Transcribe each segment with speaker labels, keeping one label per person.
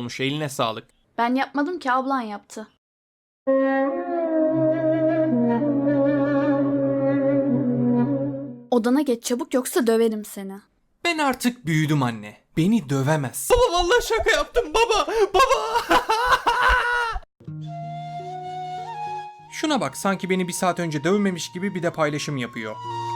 Speaker 1: olmuş, eline sağlık.
Speaker 2: Ben yapmadım ki, ablan yaptı. Odana geç çabuk yoksa döverim seni.
Speaker 1: Ben artık büyüdüm anne. Beni dövemez. Baba vallahi şaka yaptım baba. Baba. Şuna bak, sanki beni bir saat önce dövmemiş gibi bir de paylaşım yapıyor.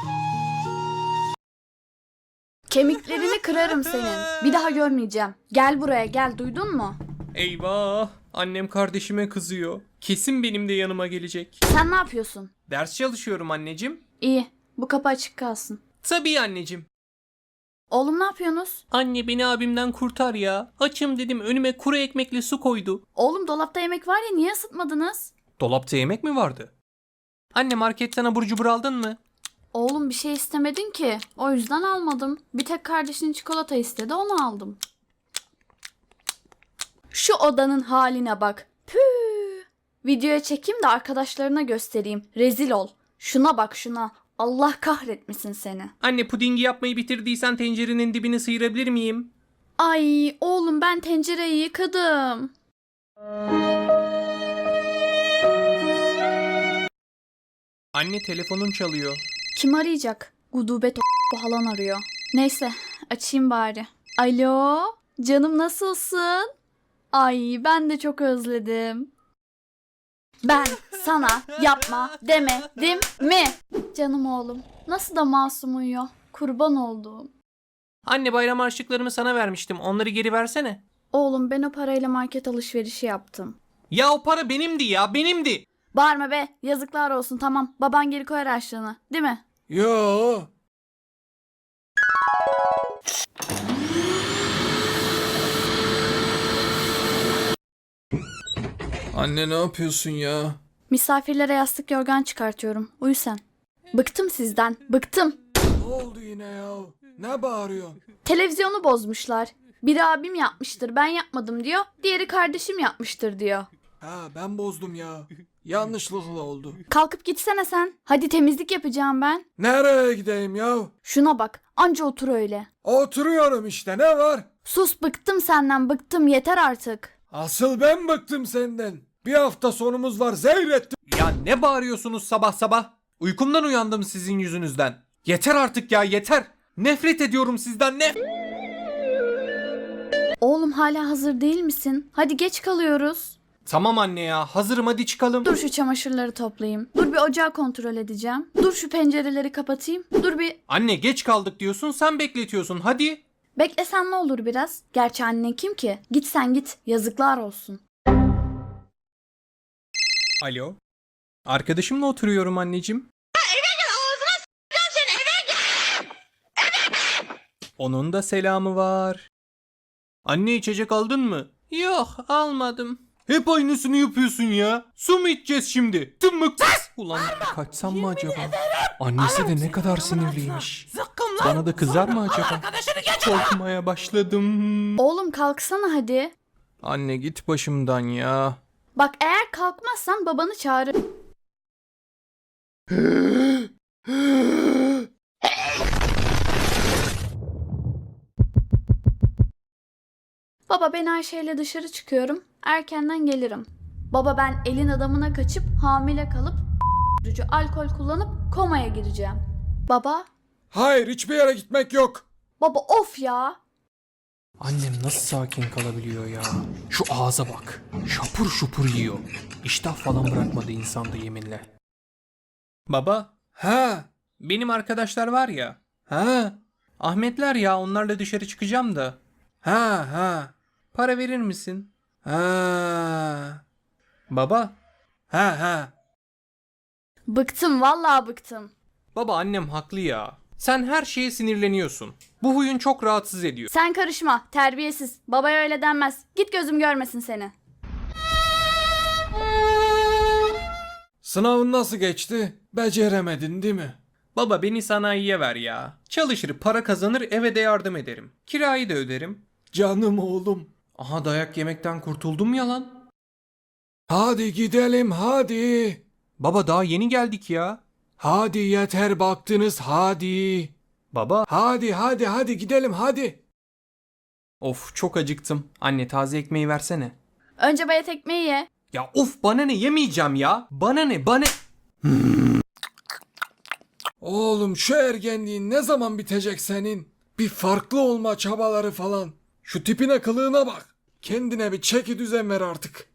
Speaker 2: Kemiklerini kırarım senin. Bir daha görmeyeceğim. Gel buraya gel, duydun mu?
Speaker 1: Eyvah, annem kardeşime kızıyor. Kesin benim de yanıma gelecek.
Speaker 2: Sen ne yapıyorsun?
Speaker 1: Ders çalışıyorum anneciğim.
Speaker 2: İyi, bu kapı açık kalsın.
Speaker 1: Tabii anneciğim.
Speaker 2: Oğlum ne yapıyorsunuz?
Speaker 1: Anne beni abimden kurtar ya. Açım dedim, önüme kuru ekmekle su koydu.
Speaker 2: Oğlum dolapta yemek var ya, niye ısıtmadınız?
Speaker 1: Dolapta yemek mi vardı? Anne marketten abur cubur aldın mı?
Speaker 2: Oğlum bir şey istemedin ki. O yüzden almadım. Bir tek kardeşin çikolata istedi, onu aldım. Şu odanın haline bak. Püh. Videoya çekeyim de arkadaşlarına göstereyim. Rezil ol. Şuna bak şuna. Allah kahretmesin seni.
Speaker 1: Anne pudingi yapmayı bitirdiysen tencerenin dibini sıyırabilir miyim?
Speaker 2: Ay oğlum, ben tencereyi yıkadım.
Speaker 1: Anne telefonun çalıyor.
Speaker 2: Kim arayacak? Gudubet o halan arıyor. Neyse, açayım bari. Alo, canım nasılsın? Ay ben de çok özledim. Ben sana yapma demedim mi? Canım oğlum, nasıl da masum uyuyor. Kurban olduğum.
Speaker 1: Anne bayram harçlıklarımı sana vermiştim. Onları geri versene.
Speaker 2: Oğlum ben o parayla market alışverişi yaptım.
Speaker 1: Ya o para benimdi ya, benimdi.
Speaker 2: Bağırma be, yazıklar olsun, tamam. Baban geri koyar harçlığını, değil mi?
Speaker 3: Yo. Anne ne yapıyorsun ya?
Speaker 2: Misafirlere yastık yorgan çıkartıyorum. Uyu sen. Bıktım sizden, bıktım.
Speaker 3: Ne oldu yine ya? Ne bağırıyorsun?
Speaker 2: Televizyonu bozmuşlar. Biri abim yapmıştır, ben yapmadım diyor. Diğeri kardeşim yapmıştır diyor.
Speaker 3: Ha ben bozdum ya. Yanlışlıkla oldu.
Speaker 2: Kalkıp gitsene sen. Hadi temizlik yapacağım ben.
Speaker 3: Nereye gideyim ya?
Speaker 2: Şuna bak, anca otur öyle.
Speaker 3: Oturuyorum işte, ne var?
Speaker 2: Sus, bıktım senden, bıktım, yeter artık.
Speaker 3: Asıl ben bıktım senden. Bir hafta sonumuz var, zehrettim.
Speaker 1: Ya ne bağırıyorsunuz sabah sabah? Uykumdan uyandım sizin yüzünüzden. Yeter artık ya, yeter. Nefret ediyorum sizden,
Speaker 2: Oğlum hala hazır değil misin? Hadi geç kalıyoruz.
Speaker 1: Tamam anne ya, hazırım, hadi çıkalım.
Speaker 2: Dur şu çamaşırları toplayayım. Dur bir ocağı kontrol edeceğim. Dur şu pencereleri kapatayım. Dur bir...
Speaker 1: Anne geç kaldık diyorsun, sen bekletiyorsun, hadi.
Speaker 2: Beklesen ne olur biraz? Gerçi annen kim ki? Git sen git. Yazıklar olsun.
Speaker 1: Alo. Arkadaşımla oturuyorum anneciğim. Onun da selamı var. Anne içecek aldın mı? Yok almadım. Hep aynısını yapıyorsun ya. Su mu içeceğiz şimdi? Tımık. Ulan kaçsam mı acaba? Annesi de ne kadar sinirliymiş. Bana da kızar mı acaba? Korkmaya başladım.
Speaker 2: Oğlum kalksana hadi.
Speaker 1: Anne git başımdan ya.
Speaker 2: Bak eğer kalkmazsan babanı çağırır. Baba ben Ayşe'yle dışarı çıkıyorum. Erkenden gelirim. Baba ben elin adamına kaçıp hamile kalıp alkol kullanıp komaya gireceğim. Baba.
Speaker 3: Hayır, hiçbir yere gitmek yok.
Speaker 2: Baba of ya.
Speaker 1: Annem nasıl sakin kalabiliyor ya? Şu ağza bak. Şapur şupur yiyor. İştah falan bırakmadı insanda yeminle. Baba,
Speaker 3: Ha,
Speaker 1: benim arkadaşlar var ya.
Speaker 3: ha,
Speaker 1: Ahmetler ya, onlarla dışarı çıkacağım da.
Speaker 3: ha, ha,
Speaker 1: Para verir misin?
Speaker 3: ha,
Speaker 1: Baba.
Speaker 3: ha.
Speaker 2: Bıktım vallahi bıktım.
Speaker 1: Baba annem haklı ya. Sen her şeye sinirleniyorsun. Bu huyun çok rahatsız ediyor.
Speaker 2: Sen karışma, terbiyesiz. Babaya öyle denmez. Git gözüm görmesin seni.
Speaker 3: Sınavın nasıl geçti? Beceremedin değil mi?
Speaker 1: Baba beni sanayiye ver ya. Çalışır, para kazanır, eve de yardım ederim. Kirayı da öderim.
Speaker 3: Canım oğlum.
Speaker 1: Aha dayak yemekten kurtuldum ya lan.
Speaker 3: Hadi gidelim hadi.
Speaker 1: Baba daha yeni geldik ya.
Speaker 3: Hadi yeter baktınız hadi.
Speaker 1: Baba.
Speaker 3: Hadi gidelim hadi.
Speaker 1: Of çok acıktım. Anne taze ekmeği versene.
Speaker 2: Önce bayat ekmeği ye.
Speaker 1: Ya of bana ne yemeyeceğim ya. Bana ne bana...
Speaker 3: Oğlum şu ergenliğin ne zaman bitecek senin? Bir farklı olma çabaları falan. Şu tipine kılığına bak. Kendine bir çeki düzen ver artık.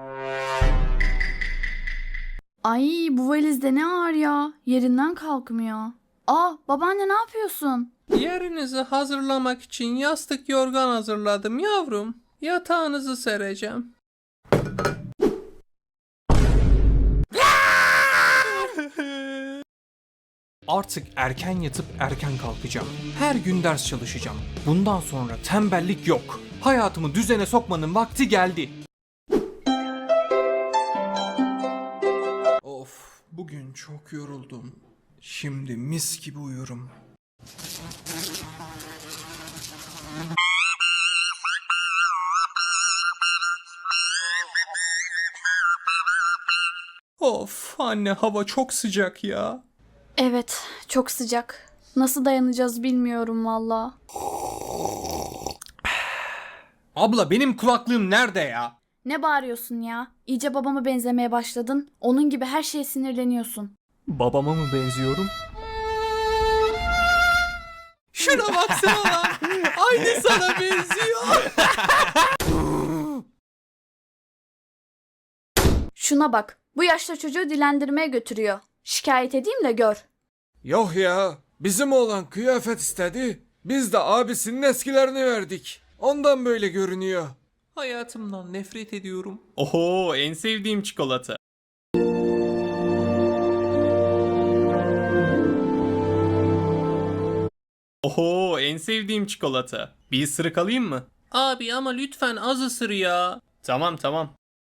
Speaker 2: Ay bu valizde ne ağır ya. Yerinden kalkmıyor. Babaanne ne yapıyorsun?
Speaker 1: Yerinizi hazırlamak için yastık yorgan hazırladım yavrum. Yatağınızı sereceğim. Artık erken yatıp erken kalkacağım. Her gün ders çalışacağım. Bundan sonra tembellik yok. Hayatımı düzene sokmanın vakti geldi. Of, bugün çok yoruldum. Şimdi mis gibi uyurum. Of anne hava çok sıcak ya.
Speaker 2: Evet, çok sıcak. Nasıl dayanacağız bilmiyorum valla.
Speaker 1: Abla benim kulaklığım nerede ya?
Speaker 2: Ne bağırıyorsun ya? İyice babama benzemeye başladın. Onun gibi her şeye sinirleniyorsun.
Speaker 1: Babama mı benziyorum? Şuna baksana lan. Aynı sana benziyor.
Speaker 2: Şuna bak. Bu yaşta çocuğu dilendirmeye götürüyor. Şikayet edeyim de gör.
Speaker 3: Yok ya. Bizim oğlan kıyafet istedi. Biz de abisinin eskilerini verdik. Ondan böyle görünüyor.
Speaker 1: Hayatımdan nefret ediyorum. Oho en sevdiğim çikolata. Oho en sevdiğim çikolata. Bir ısırık alayım mı? Abi ama lütfen az ısır ya. Tamam tamam.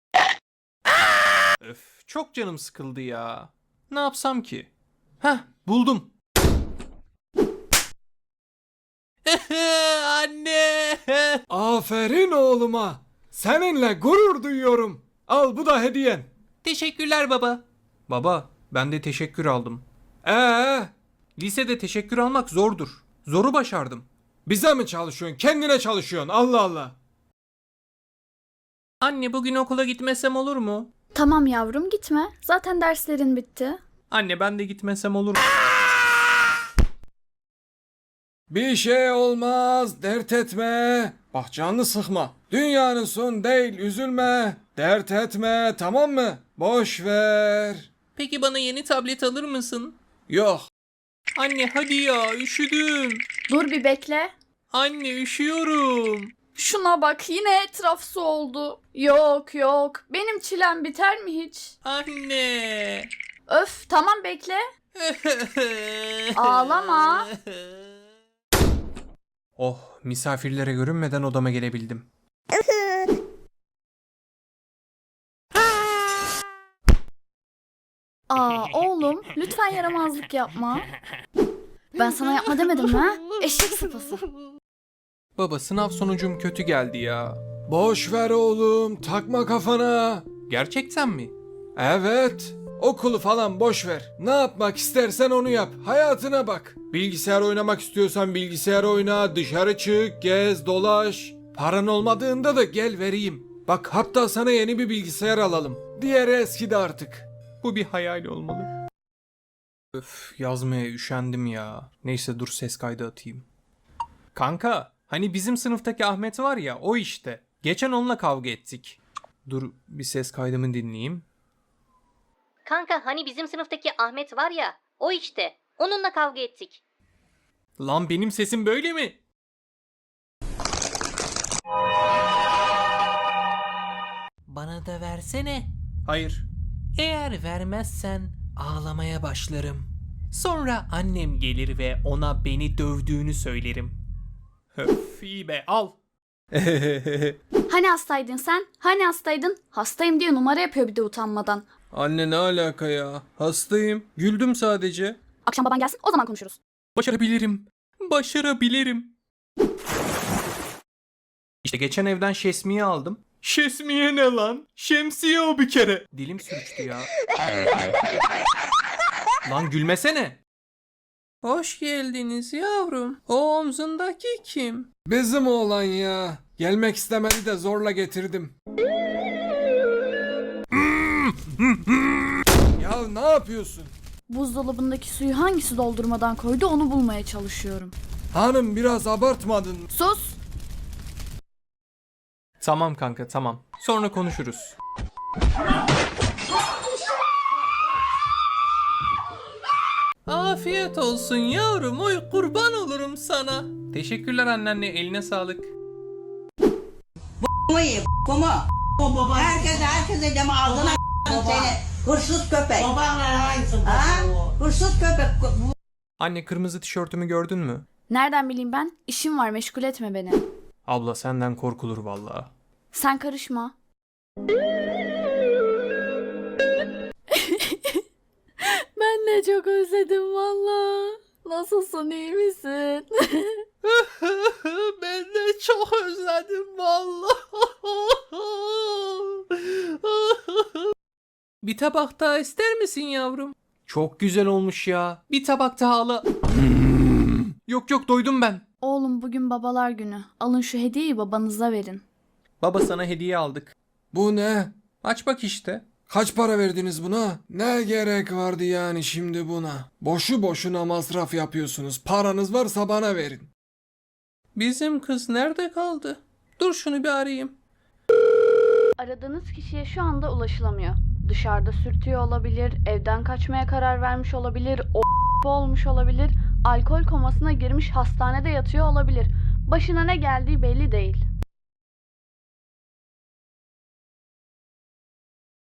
Speaker 1: Öf çok canım sıkıldı ya. Ne yapsam ki? Heh buldum. Anne.
Speaker 3: Aferin oğluma. Seninle gurur duyuyorum. Al bu da hediyen.
Speaker 1: Teşekkürler baba. Baba ben de teşekkür aldım.
Speaker 3: Ee,
Speaker 1: Lisede teşekkür almak zordur. Zoru başardım.
Speaker 3: bize mi çalışıyorsun? Kendine çalışıyorsun. Allah Allah.
Speaker 1: Anne bugün okula gitmesem olur mu?
Speaker 2: Tamam yavrum gitme. Zaten derslerin bitti.
Speaker 1: Anne ben de gitmesem olur mu?
Speaker 3: Bir şey olmaz, dert etme. Bak canını sıkma. Dünyanın son değil, üzülme. Dert etme, tamam mı? Boş ver.
Speaker 1: Peki bana yeni tablet alır mısın?
Speaker 3: Yok.
Speaker 1: Anne hadi ya üşüdüm.
Speaker 2: Dur bir bekle.
Speaker 1: Anne üşüyorum.
Speaker 2: Şuna bak yine etraf su oldu. Yok yok. Benim çilem biter mi hiç?
Speaker 1: Anne.
Speaker 2: Öf tamam bekle. Ağlama.
Speaker 1: Oh misafirlere görünmeden odama gelebildim.
Speaker 2: Oğlum lütfen yaramazlık yapma. Ben sana yapma demedim mi ha? Eşek sıpası.
Speaker 1: Baba sınav sonucum kötü geldi ya.
Speaker 3: Boş ver oğlum, takma kafana.
Speaker 1: Gerçekten mi?
Speaker 3: Evet. Okulu falan boş ver. Ne yapmak istersen onu yap. Hayatına bak. Bilgisayar oynamak istiyorsan bilgisayar oyna, dışarı çık, gez, dolaş. Paran olmadığında da gel vereyim. Bak hatta sana yeni bir bilgisayar alalım. Diğeri eskidi artık.
Speaker 1: Bu bir hayal olmalı. Öf yazmaya üşendim ya. Neyse dur ses kaydı atayım. Kanka hani bizim sınıftaki Ahmet var ya o işte. Geçen onunla kavga ettik. Dur bir ses kaydımı dinleyeyim.
Speaker 4: Kanka hani bizim sınıftaki Ahmet var ya, o işte. Onunla kavga ettik.
Speaker 1: Lan benim sesim böyle mi?
Speaker 5: Bana da versene.
Speaker 1: Hayır.
Speaker 5: Eğer vermezsen ağlamaya başlarım.
Speaker 1: Sonra annem gelir ve ona beni dövdüğünü söylerim. Öf iyi be al.
Speaker 2: Hani hastaydın sen? Hani hastaydın? Hastayım diye numara yapıyor bir de utanmadan.
Speaker 1: Anne ne alaka ya? Hastayım. Güldüm sadece.
Speaker 2: Akşam baban gelsin o zaman konuşuruz.
Speaker 1: Başarabilirim. Başarabilirim. İşte geçen evden şesmiye aldım. Şesmiye ne lan? Şemsiye o bir kere. Dilim sürçtü ya. Lan gülmesene. Hoş geldiniz yavrum. O omzundaki kim?
Speaker 3: Bizim oğlan ya. Gelmek istemedi de zorla getirdim. Ya ne yapıyorsun?
Speaker 2: Buzdolabındaki suyu hangisi doldurmadan koydu onu bulmaya çalışıyorum.
Speaker 3: Hanım biraz abartmadın.
Speaker 2: Sus!
Speaker 1: Tamam kanka tamam. Sonra konuşuruz. Afiyet olsun yavrum. Oy kurban olurum sana. Teşekkürler anneanne. Eline sağlık.
Speaker 6: Baba. Herkese deme ağzına seni. Hırsız köpek. Babanla aynısı. Ha? Hırsız köpek.
Speaker 1: Anne kırmızı tişörtümü gördün mü?
Speaker 2: Nereden bileyim ben? İşim var, meşgul etme beni.
Speaker 1: Abla senden korkulur vallahi.
Speaker 2: Sen karışma. Ben de çok özledim valla. Nasılsın, iyi misin?
Speaker 1: Ben de çok özledim vallahi. Bir tabak daha ister misin yavrum? Çok güzel olmuş ya. Bir tabak daha al. Yok doydum ben.
Speaker 2: Oğlum bugün babalar günü. Alın şu hediyeyi babanıza verin.
Speaker 1: Baba sana hediye aldık.
Speaker 3: Bu ne?
Speaker 1: Aç bak işte.
Speaker 3: Kaç para verdiniz buna? Ne gerek vardı yani şimdi buna? Boşu boşuna masraf yapıyorsunuz. Paranız varsa bana verin.
Speaker 1: Bizim kız nerede kaldı? Dur şunu bir arayayım.
Speaker 2: Aradığınız kişiye şu anda ulaşılamıyor. Dışarıda sürtüyor olabilir, evden kaçmaya karar vermiş olabilir, olmuş olabilir, alkol komasına girmiş hastanede yatıyor olabilir. Başına ne geldiği belli değil.